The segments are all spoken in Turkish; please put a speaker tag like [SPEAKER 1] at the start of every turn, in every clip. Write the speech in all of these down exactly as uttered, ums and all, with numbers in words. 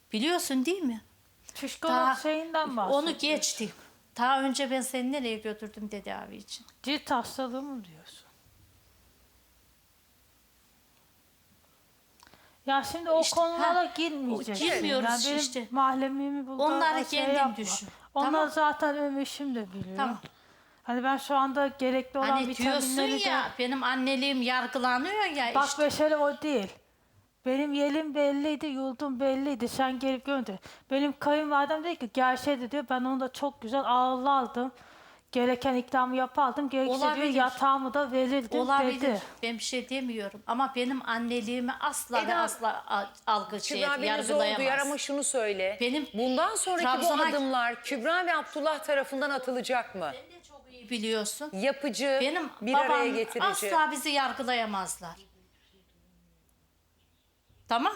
[SPEAKER 1] Biliyorsun değil mi?
[SPEAKER 2] Psikolog şeyinden bahsediyor.
[SPEAKER 1] Onu geçtik. Daha önce ben seni nereye götürdüm tedavi için?
[SPEAKER 2] Cilt hastalığı mı diyorsun? Ya şimdi o
[SPEAKER 1] İşte,
[SPEAKER 2] konulara
[SPEAKER 1] ha,
[SPEAKER 2] girmeyeceksin.
[SPEAKER 1] girmiyoruz
[SPEAKER 2] Yani benim
[SPEAKER 1] işte.
[SPEAKER 2] mahremimi burada
[SPEAKER 1] Onları
[SPEAKER 2] şey
[SPEAKER 1] kendin
[SPEAKER 2] yapma.
[SPEAKER 1] düşün.
[SPEAKER 2] Onlar
[SPEAKER 1] Tamam.
[SPEAKER 2] zaten Ömeş'im de biliyor.
[SPEAKER 1] Tamam.
[SPEAKER 2] Hani ben şu anda gerekli olan
[SPEAKER 1] Hani diyorsun
[SPEAKER 2] vitaminleri de...
[SPEAKER 1] ya benim anneliğim yargılanıyor ya
[SPEAKER 2] Bak
[SPEAKER 1] işte.
[SPEAKER 2] mesele o değil. Benim yelim belliydi, yurdum belliydi. Sen gelip gönder. Benim kayınvalidem dedi ki gerçeği diyor. Ben onu da çok güzel ağırlardım. Gereken ikramı yapardım. Gerekirse diyor
[SPEAKER 1] Olabilir.
[SPEAKER 2] yatağımı da verirdim
[SPEAKER 1] Olabilir.
[SPEAKER 2] dedi.
[SPEAKER 1] Ben bir şey demiyorum. Ama benim anneliğimi asla ve
[SPEAKER 3] Eda,
[SPEAKER 1] asla a- algı şey
[SPEAKER 3] Kübra beni zor
[SPEAKER 1] yargılayamaz.
[SPEAKER 3] duyar ama şunu söyle.
[SPEAKER 1] Benim
[SPEAKER 3] Bundan sonraki bu
[SPEAKER 1] Trabzon'a-
[SPEAKER 3] adımlar Kübra ve Abdullah tarafından atılacak mı?
[SPEAKER 1] Sen de çok iyi biliyorsun.
[SPEAKER 3] Yapıcı,
[SPEAKER 1] Benim
[SPEAKER 3] bir
[SPEAKER 1] babam
[SPEAKER 3] araya getirici.
[SPEAKER 1] asla bizi yargılayamazlar. Tamam.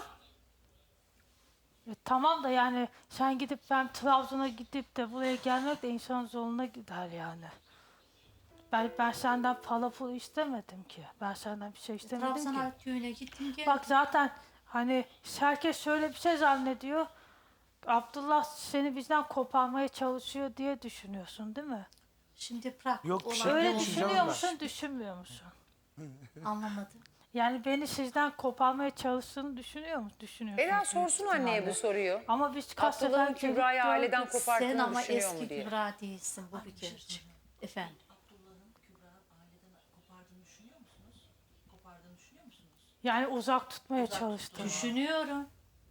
[SPEAKER 2] E, tamam da yani sen gidip ben Trabzon'a gidip de buraya gelmek de insanın zoruna gider yani. Ben, ben senden para pul istemedim ki. Ben senden bir şey istemedim ki.
[SPEAKER 1] Trabzon'a köyüne gittim gel.
[SPEAKER 2] Bak zaten hani herkes şöyle bir şey zannediyor. Abdullah seni bizden koparmaya çalışıyor diye düşünüyorsun değil mi?
[SPEAKER 1] Şimdi bırak.
[SPEAKER 4] Yok, bir
[SPEAKER 1] olan
[SPEAKER 4] şey
[SPEAKER 1] ne
[SPEAKER 2] Öyle
[SPEAKER 4] yok,
[SPEAKER 1] oldu?
[SPEAKER 4] düşüneceğim
[SPEAKER 2] düşünüyor
[SPEAKER 4] ben.
[SPEAKER 2] musun, düşünmüyor musun?
[SPEAKER 1] Anlamadım.
[SPEAKER 2] Yani beni sizden koparmaya çalıştığını düşünüyor musun? Düşünüyorsun.
[SPEAKER 3] Eda
[SPEAKER 2] büyük
[SPEAKER 3] sorsun anneye
[SPEAKER 2] ihtimalle.
[SPEAKER 3] bu soruyu.
[SPEAKER 2] Ama biz kaç sefer
[SPEAKER 3] Abdullah'ın
[SPEAKER 2] gelip
[SPEAKER 3] Kübra'yı aileden
[SPEAKER 2] gördük.
[SPEAKER 1] Sen
[SPEAKER 3] koparttığını
[SPEAKER 1] ama
[SPEAKER 3] düşünüyor
[SPEAKER 1] eski
[SPEAKER 3] mu diye.
[SPEAKER 1] Kübra değilsin bu bir kere. Efendim.
[SPEAKER 5] Abdullah'ın Kübra'nın aileden kopardığını düşünüyor musunuz? Kopardığını düşünüyor musunuz?
[SPEAKER 2] Yani uzak tutmaya çalıştım.
[SPEAKER 1] Düşünüyorum.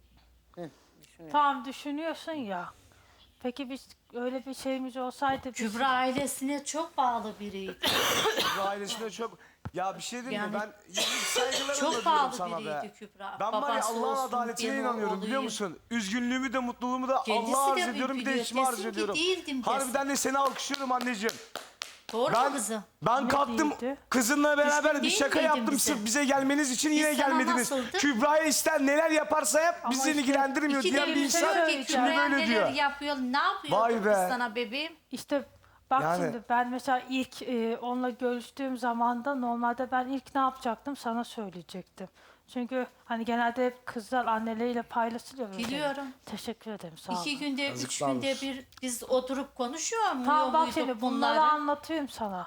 [SPEAKER 2] Tamam düşünüyorsun ya. Peki biz öyle bir şeyimiz olsaydı biz...
[SPEAKER 1] Kübra ailesine çok bağlı biriydi.
[SPEAKER 4] Bu ailesine çok... Ya bir şey diyeyim mi?
[SPEAKER 1] Yani
[SPEAKER 4] Ben saygılarımla
[SPEAKER 1] çok
[SPEAKER 4] diyorum
[SPEAKER 1] bağlı
[SPEAKER 4] sana
[SPEAKER 1] biriydi
[SPEAKER 4] be.
[SPEAKER 1] Kübra.
[SPEAKER 4] Ben var ya
[SPEAKER 1] Babası
[SPEAKER 4] Allah'ın
[SPEAKER 1] olsun,
[SPEAKER 4] adaletine
[SPEAKER 1] ben
[SPEAKER 4] inanıyorum biliyor
[SPEAKER 1] oğluyum.
[SPEAKER 4] musun? Üzgünlüğümü de mutluluğumu da
[SPEAKER 1] Kendisi
[SPEAKER 4] Allah'a
[SPEAKER 1] de
[SPEAKER 4] arz ediyorum bir de
[SPEAKER 1] biliyor.
[SPEAKER 4] eşime arz
[SPEAKER 1] Desin ki
[SPEAKER 4] ediyorum.
[SPEAKER 1] değildim desin.
[SPEAKER 4] Harbiden de seni alkışlıyorum anneciğim.
[SPEAKER 1] Doğru mu
[SPEAKER 4] Ben,
[SPEAKER 1] kızım?
[SPEAKER 4] ben
[SPEAKER 2] Ne
[SPEAKER 4] kalktım
[SPEAKER 2] değildi?
[SPEAKER 4] kızınla beraber
[SPEAKER 1] Düşkün
[SPEAKER 4] bir
[SPEAKER 1] değil
[SPEAKER 4] şaka
[SPEAKER 1] miydin
[SPEAKER 4] yaptım
[SPEAKER 1] bize?
[SPEAKER 4] sırf bize gelmeniz için
[SPEAKER 1] Biz
[SPEAKER 4] yine
[SPEAKER 1] sana
[SPEAKER 4] gelmediniz.
[SPEAKER 1] nasıldık?
[SPEAKER 4] Kübra'ya ister neler yaparsa yap bizi
[SPEAKER 2] işte
[SPEAKER 4] ilgilendirmiyor
[SPEAKER 1] İki
[SPEAKER 4] diyen
[SPEAKER 1] de
[SPEAKER 4] bir
[SPEAKER 1] bir
[SPEAKER 4] insan
[SPEAKER 1] şey yok ki
[SPEAKER 2] şimdi
[SPEAKER 4] şimdi
[SPEAKER 1] Kübra'ya
[SPEAKER 4] böyle
[SPEAKER 1] neler
[SPEAKER 4] diyor.
[SPEAKER 1] yapıyor, ne yapıyor
[SPEAKER 4] Vay
[SPEAKER 1] kız
[SPEAKER 4] be.
[SPEAKER 1] sana bebeğim?
[SPEAKER 2] İşte bak
[SPEAKER 4] Yani-
[SPEAKER 2] şimdi ben mesela ilk e, onunla görüştüğüm zamanda normalde ben ilk ne yapacaktım sana söyleyecektim. Çünkü hani genelde hep kızlar anneleriyle paylaşılıyor. böyle.
[SPEAKER 1] Biliyorum.
[SPEAKER 2] Teşekkür ederim sağ olun.
[SPEAKER 1] İki günde, üç
[SPEAKER 4] Yazıklar
[SPEAKER 1] günde
[SPEAKER 4] olsun.
[SPEAKER 1] bir biz oturup konuşuyor muyuz?
[SPEAKER 2] Tamam bak şimdi bunları anlatıyorum sana.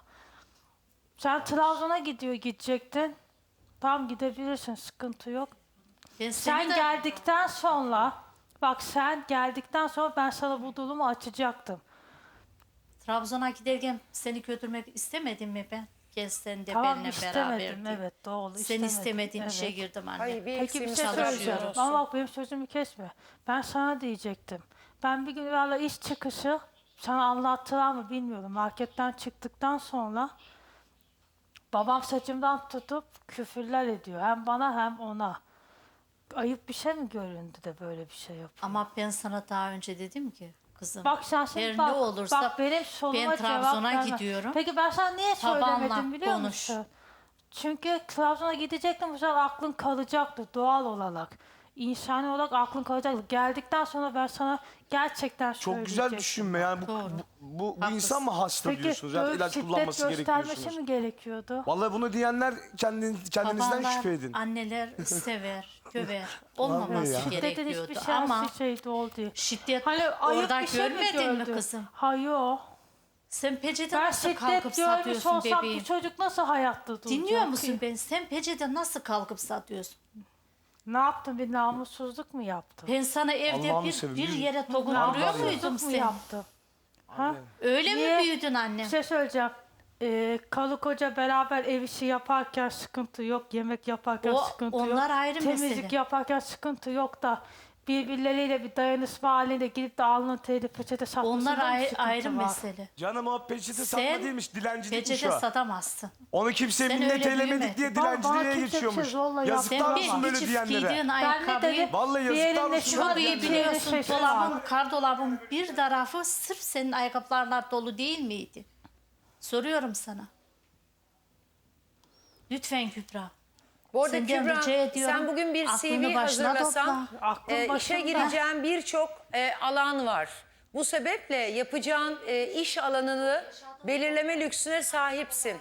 [SPEAKER 2] Sen Trabzon'a gidiyor gidecektin. Tamam gidebilirsin sıkıntı yok.
[SPEAKER 1] Ben
[SPEAKER 2] Sen
[SPEAKER 1] seni de-
[SPEAKER 2] geldikten sonra bak sen geldikten sonra ben sana bu durumu açacaktım.
[SPEAKER 1] Trabzon'a giderken seni götürmek istemedim mi ben? Gel sen de
[SPEAKER 2] Tamam
[SPEAKER 1] benimle
[SPEAKER 2] istemedim
[SPEAKER 1] beraber.
[SPEAKER 2] evet doğru
[SPEAKER 1] Sen
[SPEAKER 2] istemedim.
[SPEAKER 1] istemediğin
[SPEAKER 2] evet.
[SPEAKER 1] işe girdim anne.
[SPEAKER 3] Hayır bir
[SPEAKER 2] Peki bir
[SPEAKER 3] eksiğimiz
[SPEAKER 2] şey
[SPEAKER 3] Trabzon
[SPEAKER 2] söyleyeceğim.
[SPEAKER 3] olsun.
[SPEAKER 2] Ama bak benim sözümü kesme. Ben sana diyecektim. Ben bir gün valla iş çıkışı sana anlattılar mı bilmiyorum. Marketten çıktıktan sonra babam saçımdan tutup küfürler ediyor. Hem bana hem ona. Ayıp bir şey mi göründü de böyle bir şey yapıyor?
[SPEAKER 1] Ama ben sana daha önce dedim ki kızım.
[SPEAKER 2] Bak sen şimdi
[SPEAKER 1] her
[SPEAKER 2] bak,
[SPEAKER 1] ne olursa
[SPEAKER 2] bak benim soruma
[SPEAKER 1] ben
[SPEAKER 2] cevap
[SPEAKER 1] Trabzon'a
[SPEAKER 2] verme.
[SPEAKER 1] gidiyorum.
[SPEAKER 2] Peki ben sana niye
[SPEAKER 1] Babanla
[SPEAKER 2] söylemedim biliyor
[SPEAKER 1] konuş.
[SPEAKER 2] musun? Çünkü Trabzon'a gidecektim bu sefer aklın kalacaktı doğal olarak. İnsani olarak aklın kalacaktı. Geldikten sonra ben sana gerçekten
[SPEAKER 4] Çok
[SPEAKER 2] söyleyecektim.
[SPEAKER 4] güzel düşünme yani bu,
[SPEAKER 1] Doğru.
[SPEAKER 4] bu, bu, bu
[SPEAKER 1] Haklısın.
[SPEAKER 4] insan mı hasta
[SPEAKER 2] Peki
[SPEAKER 4] diyorsunuz? Yani
[SPEAKER 2] böyle
[SPEAKER 4] ilaç
[SPEAKER 2] şiddet
[SPEAKER 4] kullanması gerekiyor
[SPEAKER 2] göstermesi
[SPEAKER 4] diyorsunuz.
[SPEAKER 2] mi gerekiyordu?
[SPEAKER 4] Vallahi bunu diyenler kendin, kendinizden
[SPEAKER 1] Babanlar,
[SPEAKER 4] şüphe edin.
[SPEAKER 1] anneler sever, döver.
[SPEAKER 4] Vallahi
[SPEAKER 1] Olmaması
[SPEAKER 4] ya.
[SPEAKER 2] Şiddetin
[SPEAKER 1] gerekiyordu.
[SPEAKER 2] hiçbir
[SPEAKER 1] Ama
[SPEAKER 2] siyasi şeydi oldu.
[SPEAKER 1] şiddet
[SPEAKER 2] Hani ayıp
[SPEAKER 1] orada
[SPEAKER 2] bir şey mi
[SPEAKER 1] görmedin mi
[SPEAKER 2] gördü?
[SPEAKER 1] kızım?
[SPEAKER 2] Hayır.
[SPEAKER 1] Sen peçete
[SPEAKER 2] Ben
[SPEAKER 1] nasıl kalkıp
[SPEAKER 2] şiddet görmüş
[SPEAKER 1] satıyorsun
[SPEAKER 2] olsam
[SPEAKER 1] bebeğim?
[SPEAKER 2] bu çocuk nasıl hayatta duracak?
[SPEAKER 1] Dinliyor
[SPEAKER 2] ki?
[SPEAKER 1] musun beni? Sen peçete nasıl kalkıp satıyorsun?
[SPEAKER 2] Ne yaptın? Bir namussuzluk mu yaptın?
[SPEAKER 1] Ben sana evde
[SPEAKER 4] Allah'ını
[SPEAKER 1] bir,
[SPEAKER 4] seveyim,
[SPEAKER 1] bir
[SPEAKER 4] yürü.
[SPEAKER 1] yere dokunduruyor
[SPEAKER 2] Namussuzluk
[SPEAKER 1] muydum
[SPEAKER 2] mu
[SPEAKER 1] sen?
[SPEAKER 2] yaptın? Ha?
[SPEAKER 1] Öyle
[SPEAKER 2] Niye?
[SPEAKER 1] mi büyüdün annem?
[SPEAKER 2] Bir şey söyleyeceğim. Ee, karı koca beraber ev işi yaparken sıkıntı yok. Yemek yaparken
[SPEAKER 1] O-
[SPEAKER 2] sıkıntı yok.
[SPEAKER 1] onlar ayrı
[SPEAKER 2] Temizlik
[SPEAKER 1] mesele.
[SPEAKER 2] yaparken sıkıntı yok da birbirleriyle bir dayanışma halinde gidip de alnın teri peçete satmasında
[SPEAKER 1] Onlar
[SPEAKER 2] mı
[SPEAKER 1] ayrı,
[SPEAKER 2] sıkıntı
[SPEAKER 1] ayrı
[SPEAKER 2] var?
[SPEAKER 1] mesele.
[SPEAKER 4] Canım o peçete
[SPEAKER 1] Sen
[SPEAKER 4] satma değilmiş dilencilikmiş
[SPEAKER 1] peçete
[SPEAKER 4] o.
[SPEAKER 1] satamazsın.
[SPEAKER 4] Onu kimseye
[SPEAKER 1] Sen
[SPEAKER 4] minnet
[SPEAKER 1] öyle
[SPEAKER 4] eylemedik
[SPEAKER 1] büyümedin.
[SPEAKER 4] diye
[SPEAKER 2] Bana- bana
[SPEAKER 4] dilenciliğe
[SPEAKER 2] kimse bir şey
[SPEAKER 4] geçiyormuş.
[SPEAKER 2] zorla
[SPEAKER 4] Yazıklar
[SPEAKER 1] Sen
[SPEAKER 4] olsun
[SPEAKER 1] bir
[SPEAKER 4] böyle
[SPEAKER 1] çift
[SPEAKER 4] diyenlere.
[SPEAKER 1] giydiğin
[SPEAKER 2] Ben ne
[SPEAKER 1] ayakkabıyı
[SPEAKER 2] dedim?
[SPEAKER 4] Vallahi
[SPEAKER 2] Bir
[SPEAKER 4] yazıklar
[SPEAKER 2] elinde
[SPEAKER 4] olsun
[SPEAKER 2] şu
[SPEAKER 4] böyle
[SPEAKER 1] çok iyi
[SPEAKER 4] diyenlere.
[SPEAKER 1] biliyorsun.
[SPEAKER 2] şey var.
[SPEAKER 1] Dolabın, kardolabın bir tarafı sırf senin ayakkabılarla dolu değil miydi? Soruyorum sana. Lütfen Kübra.
[SPEAKER 3] Bu arada
[SPEAKER 1] Senden
[SPEAKER 3] Kübra
[SPEAKER 1] rica ediyorum,
[SPEAKER 3] sen bugün bir
[SPEAKER 1] aklını
[SPEAKER 3] C V
[SPEAKER 1] başına
[SPEAKER 3] hazırlasan
[SPEAKER 1] topla.
[SPEAKER 2] Aklın
[SPEAKER 3] e, işe
[SPEAKER 2] başında.
[SPEAKER 3] gireceğin birçok e, alan var. Bu sebeple yapacağın e, iş alanını belirleme lüksüne sahipsin.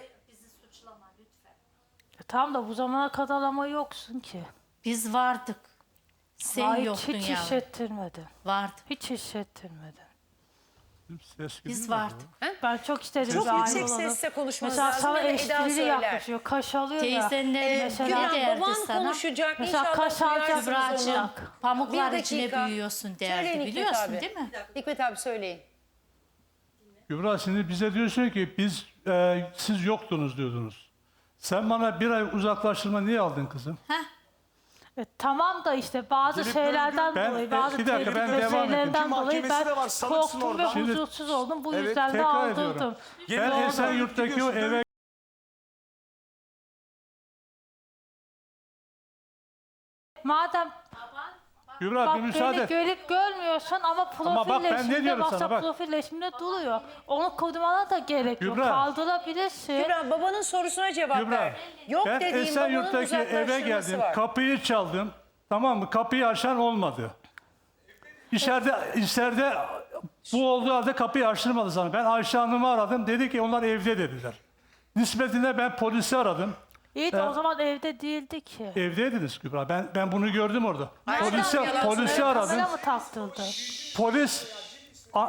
[SPEAKER 2] E, tamam da bu zamana kadar ama yoksun ki.
[SPEAKER 1] Biz vardık. Sen
[SPEAKER 2] Ay,
[SPEAKER 1] yoktun
[SPEAKER 2] hiç
[SPEAKER 1] ya.
[SPEAKER 2] hissettirmedin.
[SPEAKER 1] Vardı.
[SPEAKER 2] Hiç hissettirmedin.
[SPEAKER 6] Ses
[SPEAKER 1] Biz
[SPEAKER 6] gidiyor mu?
[SPEAKER 1] vardık.
[SPEAKER 2] Ben çok istedim
[SPEAKER 3] Çok
[SPEAKER 2] bir aile
[SPEAKER 3] yüksek
[SPEAKER 2] olalım.
[SPEAKER 3] sesle konuşmanız
[SPEAKER 2] Mesela
[SPEAKER 3] lazım
[SPEAKER 2] sana
[SPEAKER 3] ya da Eda
[SPEAKER 2] esprili
[SPEAKER 3] söyler.
[SPEAKER 2] yaklaşıyor, kaş alıyor ya.
[SPEAKER 1] Teyzenlerin
[SPEAKER 2] mesela-
[SPEAKER 1] ne
[SPEAKER 3] Kübra
[SPEAKER 1] derdi
[SPEAKER 3] baban
[SPEAKER 1] sana?
[SPEAKER 3] konuşacak.
[SPEAKER 2] Mesela
[SPEAKER 3] İnşallah
[SPEAKER 2] kaş alacak
[SPEAKER 3] duyarsınız
[SPEAKER 1] Kübra'cığım
[SPEAKER 3] onu.
[SPEAKER 1] pamuklar
[SPEAKER 3] Bir
[SPEAKER 1] içine
[SPEAKER 3] dakika.
[SPEAKER 1] büyüyorsun
[SPEAKER 3] Söyleyin
[SPEAKER 1] derdi.
[SPEAKER 3] Hikmet
[SPEAKER 1] Biliyorsun
[SPEAKER 3] abi.
[SPEAKER 1] değil mi?
[SPEAKER 3] Hikmet abi söyleyin.
[SPEAKER 6] Kübra şimdi bize diyorsun ki biz e, siz yoktunuz diyordunuz. Sen bana bir ay uzaklaştırma niye aldın kızım?
[SPEAKER 2] E, tamam da işte bazı
[SPEAKER 4] Gelip
[SPEAKER 2] şeylerden
[SPEAKER 6] Ben-
[SPEAKER 2] dolayı,
[SPEAKER 6] ben-
[SPEAKER 2] bazı
[SPEAKER 6] bir dakika, ben
[SPEAKER 2] tehlikeli
[SPEAKER 6] devam edeyim.
[SPEAKER 2] şeylerden
[SPEAKER 4] Ki
[SPEAKER 2] dolayı
[SPEAKER 4] mahkemesi
[SPEAKER 2] ben
[SPEAKER 4] de var, sanıksın
[SPEAKER 2] korktum ve
[SPEAKER 4] orada.
[SPEAKER 6] Şimdi-
[SPEAKER 2] huzursuz oldum. Bu
[SPEAKER 4] Evet,
[SPEAKER 2] yüzden de
[SPEAKER 6] tekrar ediyorum.
[SPEAKER 2] aldırdım.
[SPEAKER 6] Ben
[SPEAKER 4] Doğru.
[SPEAKER 6] Esenyurt'taki o
[SPEAKER 4] Gidiyorsun,
[SPEAKER 6] eve
[SPEAKER 2] Madem
[SPEAKER 6] Kübra
[SPEAKER 2] bak
[SPEAKER 6] bir müsaade
[SPEAKER 2] beni
[SPEAKER 6] et.
[SPEAKER 2] görüp görmüyorsun ama
[SPEAKER 6] Ama bak ben ne
[SPEAKER 2] profilleşimde,
[SPEAKER 6] diyorum sana,
[SPEAKER 2] WhatsApp
[SPEAKER 6] bak.
[SPEAKER 2] profilleşimde duruyor. Onu kodumana da gerek yok.
[SPEAKER 6] Kübra.
[SPEAKER 2] Kaldırabilirsin.
[SPEAKER 3] Kübra babanın sorusuna cevap
[SPEAKER 6] Kübra,
[SPEAKER 3] ver. Yok
[SPEAKER 6] ben
[SPEAKER 3] dediğin babanın
[SPEAKER 6] Esenyurt'taki eve
[SPEAKER 3] uzaklaştırması
[SPEAKER 6] geldim.
[SPEAKER 3] var.
[SPEAKER 6] Kapıyı çaldım. Tamam mı? Kapıyı açan olmadı. İçeride, içeride bu olduğu halde kapıyı açtırmadı sana. Ben Ayşe Hanım'ı aradım. Dedi ki onlar evde dediler. Nispetinde ben polisi aradım.
[SPEAKER 2] İyi de o zaman evde değildi ki.
[SPEAKER 6] Evdeydiniz Kübra. Ben ben bunu gördüm orada.
[SPEAKER 3] Ayşe
[SPEAKER 6] Polisi,
[SPEAKER 3] Hanım yalan
[SPEAKER 6] polisi
[SPEAKER 3] söylüyor.
[SPEAKER 6] aradım.
[SPEAKER 2] Kamera mı taktıldı?
[SPEAKER 6] Polis a-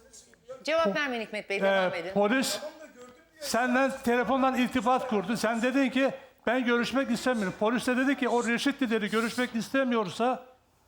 [SPEAKER 3] Cevap vermeyin Hikmet Bey
[SPEAKER 6] e,
[SPEAKER 3] devam edin.
[SPEAKER 6] polis senden telefondan irtibat kurdu. Sen dedin ki ben görüşmek istemiyorum. Polis de dedi ki o Reşit dedi görüşmek istemiyorsa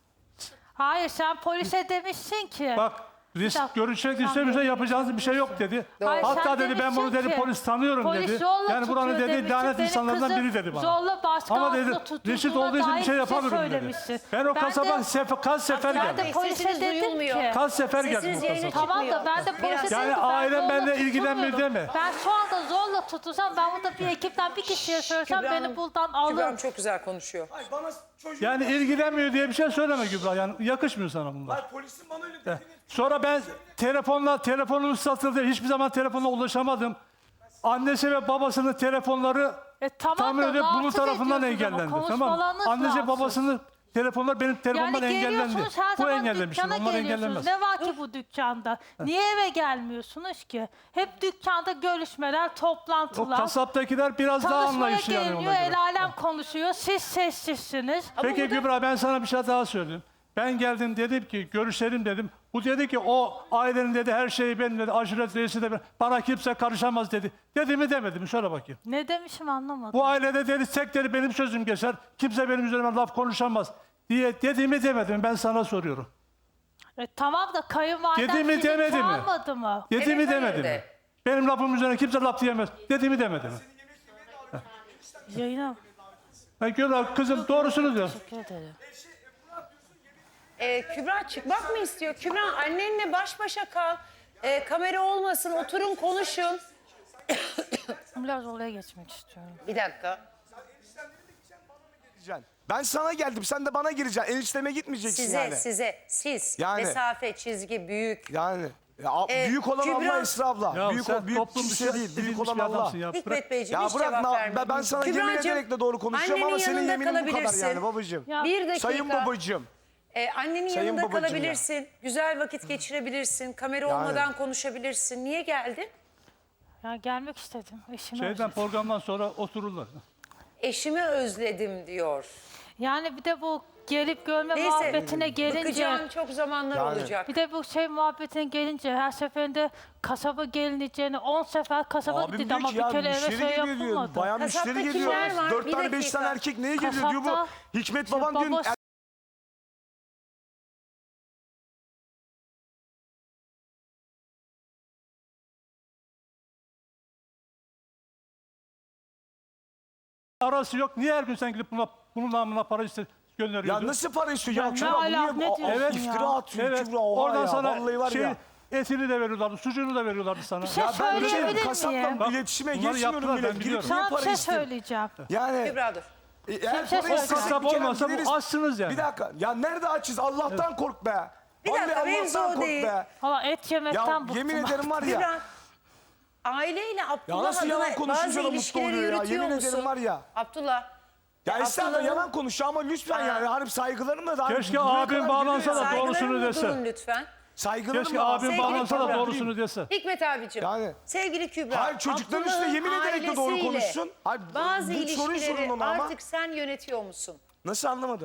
[SPEAKER 2] Hayır, sen polise demişsin ki.
[SPEAKER 6] bak risk
[SPEAKER 2] dakika,
[SPEAKER 6] görüşmek
[SPEAKER 2] sen
[SPEAKER 6] istemiyorsa
[SPEAKER 2] de-
[SPEAKER 6] yapacağınız bir şey yok dedi.
[SPEAKER 2] Hayır,
[SPEAKER 6] Hatta
[SPEAKER 2] sen
[SPEAKER 6] dedi ben bunu
[SPEAKER 2] demişsin
[SPEAKER 6] dedi
[SPEAKER 2] ki,
[SPEAKER 6] polis tanıyorum
[SPEAKER 2] polis
[SPEAKER 6] dedi.
[SPEAKER 2] zorla
[SPEAKER 6] Yani buranın
[SPEAKER 2] tutuyor
[SPEAKER 6] dedi
[SPEAKER 2] demişsin,
[SPEAKER 6] lanet
[SPEAKER 2] benim
[SPEAKER 6] insanlardan
[SPEAKER 2] kızım
[SPEAKER 6] biri dedi bana.
[SPEAKER 2] zorla başka
[SPEAKER 6] Ama
[SPEAKER 2] altında
[SPEAKER 6] dedi
[SPEAKER 2] tutulduğuna
[SPEAKER 6] Reşit olduğu için bir
[SPEAKER 2] dair
[SPEAKER 6] şey
[SPEAKER 2] bize
[SPEAKER 6] yapamıyorum dedi.
[SPEAKER 2] söylemişsin.
[SPEAKER 6] Ben o
[SPEAKER 2] Ben
[SPEAKER 6] kasaba
[SPEAKER 2] de-
[SPEAKER 6] sef- kaç sefer
[SPEAKER 2] Ben
[SPEAKER 6] geldim.
[SPEAKER 2] de polise
[SPEAKER 3] Sesiniz
[SPEAKER 2] dedim
[SPEAKER 3] duyulmuyor.
[SPEAKER 2] ki.
[SPEAKER 6] Kaç sefer geldim
[SPEAKER 3] Sesiniz
[SPEAKER 6] o
[SPEAKER 3] yayına
[SPEAKER 6] kasaba.
[SPEAKER 2] Tamam da
[SPEAKER 3] çıkmıyor.
[SPEAKER 2] ben de polise
[SPEAKER 3] Biraz-
[SPEAKER 2] dedim
[SPEAKER 6] Yani
[SPEAKER 2] ki ben
[SPEAKER 6] ailem
[SPEAKER 2] zorla
[SPEAKER 6] benimle ilgilenmiyor
[SPEAKER 2] tutulmuyorum.
[SPEAKER 6] deme.
[SPEAKER 2] Ben şu anda zorla tutulsam ben burada bir ekipten bir kişiye söylesem
[SPEAKER 3] Kübra
[SPEAKER 2] beni
[SPEAKER 3] Hanım-
[SPEAKER 2] buradan
[SPEAKER 3] Kübra
[SPEAKER 2] alır.
[SPEAKER 3] Hanım çok güzel konuşuyor.
[SPEAKER 4] Ay bana çocuğum.
[SPEAKER 6] Yani ilgilenmiyor diye bir şey söyleme Kübra. Yani yakışmıyor sana bunlar.
[SPEAKER 4] Ay polisin bana öyle dediğini.
[SPEAKER 6] Sonra ben telefonla, telefonum satıldı. Hiçbir zaman telefonla ulaşamadım. Annesi ve babasının telefonları
[SPEAKER 2] E tamam
[SPEAKER 6] tam
[SPEAKER 2] da
[SPEAKER 6] öyle bunun
[SPEAKER 2] rahatsız
[SPEAKER 6] tarafından
[SPEAKER 2] ediyorsunuz ama
[SPEAKER 6] engellendi. Tamam mı?
[SPEAKER 2] konuşmalarınız
[SPEAKER 6] Annesi
[SPEAKER 2] rahatsız.
[SPEAKER 6] babasının telefonlar benim telefonumdan
[SPEAKER 2] Yani
[SPEAKER 6] engellendi.
[SPEAKER 2] geliyorsunuz her
[SPEAKER 6] Bu
[SPEAKER 2] zaman
[SPEAKER 6] engellemiştir.
[SPEAKER 2] dükkana
[SPEAKER 6] Onlar
[SPEAKER 2] geliyorsunuz.
[SPEAKER 6] engellenmez.
[SPEAKER 2] Ne var ki bu dükkanda? Niye eve gelmiyorsunuz ki? Hep dükkanda görüşmeler,
[SPEAKER 6] O
[SPEAKER 2] toplantılar.
[SPEAKER 6] kasaptakiler biraz daha
[SPEAKER 2] Tanışmaya
[SPEAKER 6] anlayışlı yani ona
[SPEAKER 2] geliniyor,
[SPEAKER 6] göre.
[SPEAKER 2] el alem konuşuyor. Siz sessizsiniz.
[SPEAKER 6] Peki Kübra ben sana bir şey daha söyleyeyim. Ben geldim dedim ki görüşelim dedim. Bu dedi ki o ailenin dedi her şeyi benim dedi. Aşiret reisi de benim. Bana kimse karışamaz dedi. Dedi mi demedi mi? Söyle bakayım.
[SPEAKER 2] Ne demişim anlamadım.
[SPEAKER 6] Bu ailede dedi tek dedi benim sözüm geçer. Kimse benim üzerime laf konuşamaz diye dediğimi demedim. Ben sana soruyorum.
[SPEAKER 2] E, tamam da kayınvaliden
[SPEAKER 6] Dedi mi,
[SPEAKER 2] sizi
[SPEAKER 6] demedi mi?
[SPEAKER 2] çağırmadı mı?
[SPEAKER 6] Dediğimi
[SPEAKER 3] Evet,
[SPEAKER 6] demedi
[SPEAKER 3] hayır
[SPEAKER 6] mi?
[SPEAKER 3] de.
[SPEAKER 6] Benim lafım üzerine kimse laf diyemez. Dediğimi demedi mi?
[SPEAKER 2] Yayına
[SPEAKER 6] Ben Kübra kızım doğrusunu diyor.
[SPEAKER 2] teşekkür ederim.
[SPEAKER 3] Ee, Kübra çıkmak mı istiyor? Kübra annenle baş başa kal. Ee, kamera olmasın oturun konuşun.
[SPEAKER 2] Biraz oraya geçmek istiyorum.
[SPEAKER 3] Bir dakika.
[SPEAKER 4] Gireceksin. Ben sana geldim sen de bana gireceksin. Enişteme gitmeyeceksin
[SPEAKER 3] Size
[SPEAKER 4] yani.
[SPEAKER 3] size siz
[SPEAKER 4] Yani.
[SPEAKER 3] mesafe çizgi büyük.
[SPEAKER 4] Yani. Ya, a-
[SPEAKER 3] Ee,
[SPEAKER 4] büyük olan
[SPEAKER 3] Kübra-
[SPEAKER 4] Allah Esra abla.
[SPEAKER 6] Ya
[SPEAKER 4] büyük
[SPEAKER 6] sen
[SPEAKER 4] o, büyük
[SPEAKER 6] toplum
[SPEAKER 4] kimse
[SPEAKER 6] dışı
[SPEAKER 4] değil. Büyük
[SPEAKER 6] edilmiş
[SPEAKER 4] olan
[SPEAKER 6] bir
[SPEAKER 4] Allah.
[SPEAKER 6] adamsın ya. Bırak.
[SPEAKER 3] Hikmet Beyciğim
[SPEAKER 4] Ya
[SPEAKER 3] hiç
[SPEAKER 4] bırak
[SPEAKER 3] cevap
[SPEAKER 4] na-
[SPEAKER 3] vermedin.
[SPEAKER 4] ben, ben sana yemin
[SPEAKER 3] Kübracığım,
[SPEAKER 4] ederek de doğru konuşuyorum
[SPEAKER 3] annenin
[SPEAKER 4] ama senin
[SPEAKER 3] yanında
[SPEAKER 4] yeminin bu kadar
[SPEAKER 3] kalabilirsin.
[SPEAKER 4] yani babacığım.
[SPEAKER 2] Ya,
[SPEAKER 3] Bir dakika.
[SPEAKER 4] Sayın babacığım.
[SPEAKER 3] Ee, annenin
[SPEAKER 4] Sayın
[SPEAKER 3] yanında
[SPEAKER 4] babacığım ya.
[SPEAKER 3] kalabilirsin. Güzel vakit geçirebilirsin. Kamera olmadan konuşabilirsin. Niye geldin?
[SPEAKER 2] Ya gelmek istedim. Eşimi
[SPEAKER 6] Şeyden
[SPEAKER 2] özledim.
[SPEAKER 6] programdan sonra otururlar.
[SPEAKER 3] Eşimi özledim diyor.
[SPEAKER 2] Yani bir de bu gelip görme
[SPEAKER 3] Neyse.
[SPEAKER 2] muhabbetine gelince...
[SPEAKER 3] Bakacağım çok zamanlar
[SPEAKER 4] Yani.
[SPEAKER 3] olacak.
[SPEAKER 2] Bir de bu şey muhabbetine gelince her seferinde kasaba gelineceğini on sefer kasaba
[SPEAKER 4] Abim
[SPEAKER 2] gitti
[SPEAKER 4] diyor
[SPEAKER 2] ama
[SPEAKER 4] ki
[SPEAKER 2] bir
[SPEAKER 4] ya
[SPEAKER 2] kere eve
[SPEAKER 4] müşteri
[SPEAKER 2] şey
[SPEAKER 4] geliyor diyor.
[SPEAKER 2] yapılmadı.
[SPEAKER 4] Bayağı
[SPEAKER 3] Kasapta
[SPEAKER 4] müşteri geliyor.
[SPEAKER 3] kimler var?
[SPEAKER 4] Dört
[SPEAKER 3] Bir
[SPEAKER 4] tane beş
[SPEAKER 3] dakika.
[SPEAKER 4] tane erkek neye geliyor diyor bu.
[SPEAKER 2] Kasapta-
[SPEAKER 4] Hikmet baban diyor.
[SPEAKER 2] babası-
[SPEAKER 6] Arası yok. Niye her gün sen gidip buna, bunun namına para iste, gönderiyorsun?
[SPEAKER 4] Ya nasıl para istiyor ya?
[SPEAKER 2] Ya ne
[SPEAKER 4] Kübra bu
[SPEAKER 2] ala-
[SPEAKER 4] niye
[SPEAKER 2] ne
[SPEAKER 4] bu-
[SPEAKER 2] diyorsun
[SPEAKER 4] Evet.
[SPEAKER 2] ya?
[SPEAKER 4] iftira atıyor
[SPEAKER 6] Evet.
[SPEAKER 4] Kübra oha
[SPEAKER 6] Oradan
[SPEAKER 4] ya.
[SPEAKER 6] sana
[SPEAKER 4] Vallahi var
[SPEAKER 6] şey,
[SPEAKER 4] ya.
[SPEAKER 6] etini de veriyorlardı, sucuğunu da veriyorlardı sana.
[SPEAKER 2] şey
[SPEAKER 6] Ya
[SPEAKER 4] Ben bir
[SPEAKER 2] söyleyebilir
[SPEAKER 4] şey
[SPEAKER 2] miyim?
[SPEAKER 4] kasapla
[SPEAKER 6] Bak,
[SPEAKER 4] iletişime
[SPEAKER 6] bunları
[SPEAKER 4] geçmiyorum
[SPEAKER 6] yaptılar,
[SPEAKER 4] bile.
[SPEAKER 6] ben
[SPEAKER 4] Gidip
[SPEAKER 6] biliyorum.
[SPEAKER 4] niye
[SPEAKER 2] Sana bir
[SPEAKER 4] para
[SPEAKER 2] şey
[SPEAKER 4] isteyeyim?
[SPEAKER 2] söyleyeceğim.
[SPEAKER 4] Yani
[SPEAKER 3] Kübra dur.
[SPEAKER 4] e, eğer
[SPEAKER 2] şey
[SPEAKER 4] para
[SPEAKER 2] söyleyeceğim.
[SPEAKER 4] istesek
[SPEAKER 6] Kasap
[SPEAKER 4] bir kere
[SPEAKER 6] olmasa bu
[SPEAKER 4] gideriz.
[SPEAKER 6] açsınız yani.
[SPEAKER 4] Bir dakika. Ya nerede açız? Allah'tan kork be.
[SPEAKER 3] Bir
[SPEAKER 4] Vallahi
[SPEAKER 3] dakika, mevzu
[SPEAKER 4] Allah'tan
[SPEAKER 3] o
[SPEAKER 4] kork
[SPEAKER 3] değil.
[SPEAKER 4] be.
[SPEAKER 2] Valla et yemekten
[SPEAKER 4] Ya
[SPEAKER 2] bıktım.
[SPEAKER 4] yemin ederim var ya.
[SPEAKER 3] Kübra, aileyle
[SPEAKER 4] Ya
[SPEAKER 3] Abdullah
[SPEAKER 4] nasıl yalan
[SPEAKER 3] adına
[SPEAKER 4] konuşunca
[SPEAKER 3] bazı
[SPEAKER 4] da mutlu
[SPEAKER 3] ilişkileri
[SPEAKER 4] oluyor ya.
[SPEAKER 3] yürütüyor
[SPEAKER 4] Yemin
[SPEAKER 3] musun?
[SPEAKER 4] ederim var ya.
[SPEAKER 3] Abdullah.
[SPEAKER 4] Ya estağfurullah
[SPEAKER 3] Abdullah'ın-
[SPEAKER 4] yalan konuşuyor ama lütfen yani harip saygılarımla da.
[SPEAKER 6] Keşke
[SPEAKER 4] buraya
[SPEAKER 6] abim
[SPEAKER 4] kadar
[SPEAKER 6] bağlansa
[SPEAKER 4] gidiyor
[SPEAKER 6] da
[SPEAKER 4] ya.
[SPEAKER 6] doğrusunu
[SPEAKER 3] Saygılarımla
[SPEAKER 6] dese.
[SPEAKER 3] durun lütfen.
[SPEAKER 4] Saygılarımla.
[SPEAKER 6] Keşke abim
[SPEAKER 3] Sevgili
[SPEAKER 6] bağlansa da
[SPEAKER 3] Kübra.
[SPEAKER 6] doğrusunu dese.
[SPEAKER 3] Hikmet abicim.
[SPEAKER 4] Yani.
[SPEAKER 3] Sevgili Kübra.
[SPEAKER 4] Hayır, çocuklar işte
[SPEAKER 3] Abdullah'ın
[SPEAKER 4] yemin ederek de doğru
[SPEAKER 3] ailesiyle
[SPEAKER 4] konuşsun. Hayır,
[SPEAKER 3] Bazı
[SPEAKER 4] bu soruyu sorun
[SPEAKER 3] ilişkileri
[SPEAKER 4] ona ama.
[SPEAKER 3] artık sen yönetiyor musun?
[SPEAKER 4] Nasıl anlamadım?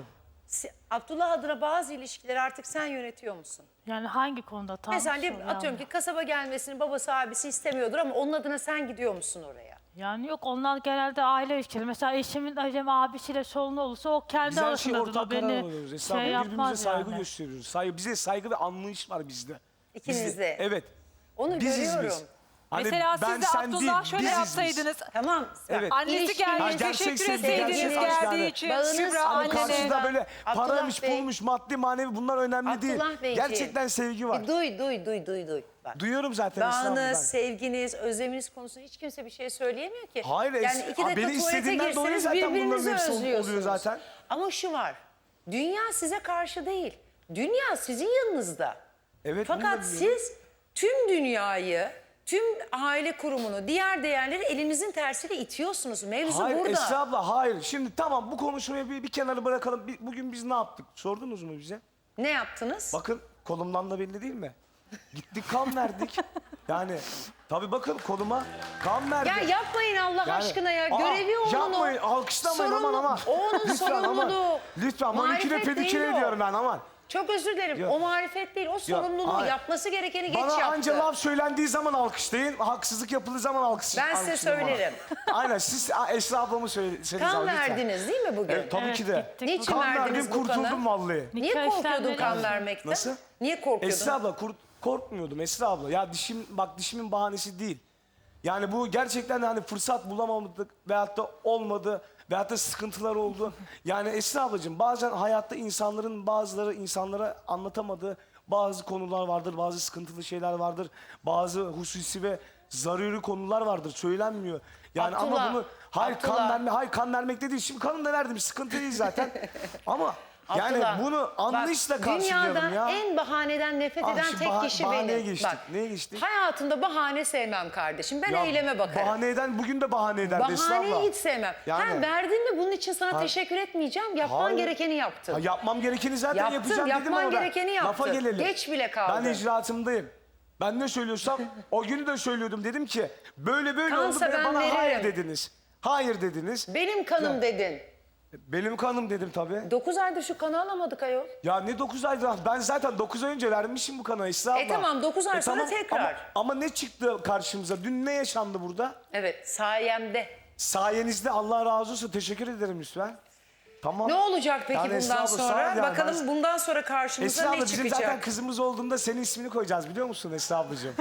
[SPEAKER 3] si- Abdullah adına bazı ilişkileri artık sen yönetiyor musun?
[SPEAKER 2] Yani hangi konuda tam
[SPEAKER 3] Mesela diye-
[SPEAKER 2] soruyor
[SPEAKER 3] atıyorum
[SPEAKER 2] ama.
[SPEAKER 3] ki kasaba gelmesini babası abisi istemiyordur ama onun adına sen gidiyor musun oraya?
[SPEAKER 2] Yani yok, onlar genelde aile ilişkileri. Mesela eşimin acem abisiyle sorunu olursa o kendi
[SPEAKER 4] Biz her şeyi
[SPEAKER 2] arasında
[SPEAKER 4] ortak
[SPEAKER 2] durur.
[SPEAKER 4] karar
[SPEAKER 2] Beni
[SPEAKER 4] alıyoruz.
[SPEAKER 2] şey
[SPEAKER 4] Esra abla, birbirimize
[SPEAKER 2] yapmaz
[SPEAKER 4] saygı
[SPEAKER 2] yani.
[SPEAKER 4] gösteriyoruz. Saygı, bize saygı ve anlayış var bizde.
[SPEAKER 3] İkinizde.
[SPEAKER 4] Bizde, evet.
[SPEAKER 3] Onu
[SPEAKER 4] Biziz
[SPEAKER 3] görüyorum.
[SPEAKER 4] biz. Hani
[SPEAKER 7] Mesela
[SPEAKER 4] ben
[SPEAKER 7] siz de
[SPEAKER 4] sen
[SPEAKER 7] Abdullah
[SPEAKER 4] değil,
[SPEAKER 7] şöyle
[SPEAKER 4] biziz
[SPEAKER 7] yapsaydınız.
[SPEAKER 3] Tamam.
[SPEAKER 4] Evet.
[SPEAKER 7] Annesi
[SPEAKER 3] İlişkiniz-
[SPEAKER 7] gelmiş,
[SPEAKER 4] Ha, gerçek
[SPEAKER 7] teşekkür
[SPEAKER 4] sevgi,
[SPEAKER 7] etseydiniz
[SPEAKER 4] gerçek aşk
[SPEAKER 7] geldiği
[SPEAKER 4] yani.
[SPEAKER 7] için.
[SPEAKER 3] Bağınız-
[SPEAKER 7] Kübra
[SPEAKER 3] Ama
[SPEAKER 4] Ama
[SPEAKER 7] annene.
[SPEAKER 4] karşında böyle
[SPEAKER 3] Abdullah
[SPEAKER 4] paramış,
[SPEAKER 3] Bey.
[SPEAKER 4] pulmuş, maddi manevi bunlar önemli değil.
[SPEAKER 3] Abdullah Beyciğim.
[SPEAKER 4] Gerçekten sevgi var.
[SPEAKER 3] Bir duy duy duy duy duy. Bak.
[SPEAKER 4] Duyuyorum zaten Esra abla ben.
[SPEAKER 3] Bağınız, sevginiz, özleminiz konusunda hiç kimse bir şey söyleyemiyor ki.
[SPEAKER 4] Hayır,
[SPEAKER 3] yani
[SPEAKER 4] es-
[SPEAKER 3] iki
[SPEAKER 4] Aa,
[SPEAKER 3] dakika
[SPEAKER 4] beni
[SPEAKER 3] tuvalete
[SPEAKER 4] istediğinden dolayı
[SPEAKER 3] girseniz
[SPEAKER 4] zaten bunların
[SPEAKER 3] birbirinizi
[SPEAKER 4] hepsi oluyor
[SPEAKER 3] özlüyorsunuz.
[SPEAKER 4] zaten.
[SPEAKER 3] Ama şu var, dünya size karşı değil, dünya sizin yanınızda.
[SPEAKER 4] Evet, bunu da
[SPEAKER 3] Fakat
[SPEAKER 4] biliyorum.
[SPEAKER 3] siz tüm dünyayı, tüm aile kurumunu, diğer değerleri elinizin tersiyle itiyorsunuz. Mevzu
[SPEAKER 4] Hayır
[SPEAKER 3] burada.
[SPEAKER 4] Esra abla hayır. Şimdi tamam bu konuşmayı bir, bir kenara bırakalım. Bir- bugün biz ne yaptık? Sordunuz mu bize?
[SPEAKER 3] Ne yaptınız?
[SPEAKER 4] Bakın kolumdan da belli değil mi? Gittik kan verdik. Yani tabii bakın koluma kan verdik.
[SPEAKER 3] Ya yapmayın Allah
[SPEAKER 4] Yani-
[SPEAKER 3] aşkına ya.
[SPEAKER 4] Aa,
[SPEAKER 3] Görevi onun.
[SPEAKER 4] Yapmayın, alkışlamayın aman
[SPEAKER 3] Sorumlu-
[SPEAKER 4] aman.
[SPEAKER 3] O onun
[SPEAKER 4] Lütfen aman.
[SPEAKER 3] sorumluluğu.
[SPEAKER 4] Lütfen maniküre
[SPEAKER 3] Marifet
[SPEAKER 4] pediküre
[SPEAKER 3] değil o.
[SPEAKER 4] ediyorum ben aman.
[SPEAKER 3] Çok özür dilerim.
[SPEAKER 4] Yok.
[SPEAKER 3] O marifet değil, o sorumluluğu.
[SPEAKER 4] hayır.
[SPEAKER 3] Yapması gerekeni geç
[SPEAKER 4] Bana
[SPEAKER 3] yaptı.
[SPEAKER 4] anca laf söylendiği zaman alkışlayın, haksızlık yapıldığı zaman alkış,
[SPEAKER 3] Ben size
[SPEAKER 4] alkışlayın bana.
[SPEAKER 3] söylerim.
[SPEAKER 4] Aynen siz Aa, Esra ablamı söyleseniz
[SPEAKER 3] Kan
[SPEAKER 4] abi, lütfen.
[SPEAKER 3] verdiniz değil mi bugün?
[SPEAKER 4] Evet, tabii
[SPEAKER 2] Evet,
[SPEAKER 4] ki de.
[SPEAKER 2] gittik.
[SPEAKER 3] Niçin
[SPEAKER 4] Kan
[SPEAKER 3] verdiniz
[SPEAKER 4] verdim
[SPEAKER 3] bu kanı?
[SPEAKER 4] kurtuldum vallahi.
[SPEAKER 3] Niye
[SPEAKER 2] Nikah
[SPEAKER 3] korkuyordun
[SPEAKER 2] işlemleri
[SPEAKER 3] kan
[SPEAKER 2] için.
[SPEAKER 3] vermekten?
[SPEAKER 4] Nasıl?
[SPEAKER 3] Niye korkuyordun?
[SPEAKER 4] Esra abla kurt, korkmuyordum Esra abla. Ya dişim bak dişimin bahanesi değil. Yani bu gerçekten hani fırsat bulamadık veyahut da olmadı veyahut da sıkıntılar oldu. Yani Esra ablacığım bazen hayatta insanların bazıları insanlara anlatamadığı bazı konular vardır, bazı sıkıntılı şeyler vardır. Bazı hususi ve zaruri konular vardır, söylenmiyor. Yani
[SPEAKER 3] Abdullah,
[SPEAKER 4] ama bunu hayır
[SPEAKER 3] Abdullah.
[SPEAKER 4] kan verme, hayır kan vermekte değil. Şimdi kanını da verdim, sıkıntı değil zaten. Ama yani
[SPEAKER 3] Abdullah,
[SPEAKER 4] bunu anlayışla
[SPEAKER 3] bak,
[SPEAKER 4] karşılayalım
[SPEAKER 3] dünyadan
[SPEAKER 4] ya.
[SPEAKER 3] en bahaneden nefret
[SPEAKER 4] Abi
[SPEAKER 3] eden
[SPEAKER 4] şu
[SPEAKER 3] tek
[SPEAKER 4] bah-
[SPEAKER 3] kişi
[SPEAKER 4] bahaneye
[SPEAKER 3] benim.
[SPEAKER 4] geçtik.
[SPEAKER 3] Bak,
[SPEAKER 4] Neye geçtik?
[SPEAKER 3] hayatımda bahane sevmem kardeşim. Ben
[SPEAKER 4] Ya
[SPEAKER 3] eyleme bakarım.
[SPEAKER 4] Bahane eden bugün de bahane eder Esra abla.
[SPEAKER 3] Bahaneyi hiç sevmem.
[SPEAKER 4] Yani-
[SPEAKER 3] Ha, verdin mi bunun için sana
[SPEAKER 4] Ha-
[SPEAKER 3] teşekkür etmeyeceğim. Yapman
[SPEAKER 4] Hayır.
[SPEAKER 3] gerekeni yaptın.
[SPEAKER 4] Ha, yapmam gerekeni zaten
[SPEAKER 3] Yaptın,
[SPEAKER 4] yapacağım dedim
[SPEAKER 3] yapman
[SPEAKER 4] ama ben.
[SPEAKER 3] gerekeni yaptın.
[SPEAKER 4] Lafa gelelim.
[SPEAKER 3] Geç bile kaldın.
[SPEAKER 4] Ben icraatımdayım. Ben ne söylüyorsam o günü de söylüyordum. Dedim ki böyle böyle
[SPEAKER 3] Kansa
[SPEAKER 4] oldu ve
[SPEAKER 3] ben
[SPEAKER 4] bana
[SPEAKER 3] veririm.
[SPEAKER 4] hayır dediniz. Hayır dediniz.
[SPEAKER 3] Benim kanım
[SPEAKER 4] Ya.
[SPEAKER 3] dedin.
[SPEAKER 4] Benim kanım dedim tabii.
[SPEAKER 3] Dokuz aydır şu kanı alamadık ayol.
[SPEAKER 4] Ya ne dokuz aydır? Ben zaten dokuz ay önce vermişim bu kanı Esra abla.
[SPEAKER 3] E tamam, dokuz ay sonra tekrar.
[SPEAKER 4] Ama, ama ne çıktı karşımıza? Dün ne yaşandı burada?
[SPEAKER 3] Evet, sayemde.
[SPEAKER 4] Sayenizde Allah razı olsun. Teşekkür ederim lütfen. Tamam.
[SPEAKER 3] Ne olacak peki
[SPEAKER 4] Yani Esra
[SPEAKER 3] bundan
[SPEAKER 4] abla,
[SPEAKER 3] sonra?
[SPEAKER 4] sağ ol yani.
[SPEAKER 3] Bakalım
[SPEAKER 4] Ben-
[SPEAKER 3] bundan sonra karşımıza
[SPEAKER 4] Esra abla
[SPEAKER 3] ne
[SPEAKER 4] bizim
[SPEAKER 3] çıkacak?
[SPEAKER 4] zaten kızımız olduğunda senin ismini koyacağız biliyor musun Esra ablacığım?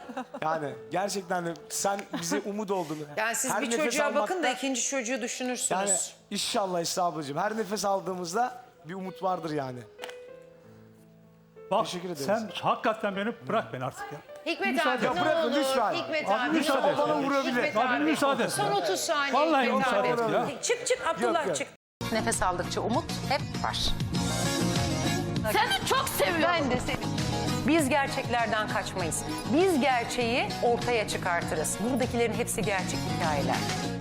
[SPEAKER 4] Yani gerçekten de sen bize umut oldun.
[SPEAKER 3] Yani siz
[SPEAKER 4] Her
[SPEAKER 3] bir
[SPEAKER 4] nefes
[SPEAKER 3] çocuğa bakın da
[SPEAKER 4] almakta-
[SPEAKER 3] ikinci çocuğu düşünürsünüz.
[SPEAKER 4] Yani inşallah Esra ablacığım her nefes aldığımızda bir umut vardır yani.
[SPEAKER 6] Bak
[SPEAKER 4] Teşekkür ederiz.
[SPEAKER 6] sen hakikaten beni bırak beni artık ya.
[SPEAKER 3] Hikmet
[SPEAKER 6] Müsaade
[SPEAKER 3] abi
[SPEAKER 4] et.
[SPEAKER 3] ne
[SPEAKER 4] Bırakın
[SPEAKER 3] olur.
[SPEAKER 4] lütfen.
[SPEAKER 3] Hikmet
[SPEAKER 6] Abi
[SPEAKER 3] abi
[SPEAKER 6] müsaade
[SPEAKER 3] ne
[SPEAKER 6] et.
[SPEAKER 3] olur.
[SPEAKER 4] Bana vurabilir.
[SPEAKER 3] Hikmet
[SPEAKER 6] Abi
[SPEAKER 3] abi.
[SPEAKER 6] müsaade et.
[SPEAKER 3] Son otuz saniye
[SPEAKER 6] Vallahi
[SPEAKER 3] Hikmet
[SPEAKER 6] müsaade
[SPEAKER 3] abi.
[SPEAKER 6] et ya.
[SPEAKER 3] Çık çık Abdullah
[SPEAKER 4] yok.
[SPEAKER 3] çık. Nefes aldıkça umut hep var.
[SPEAKER 1] Seni çok seviyorum.
[SPEAKER 3] Ben de seni. Biz gerçeklerden kaçmayız. Biz gerçeği ortaya çıkartırız. Buradakilerin hepsi gerçek hikayeler.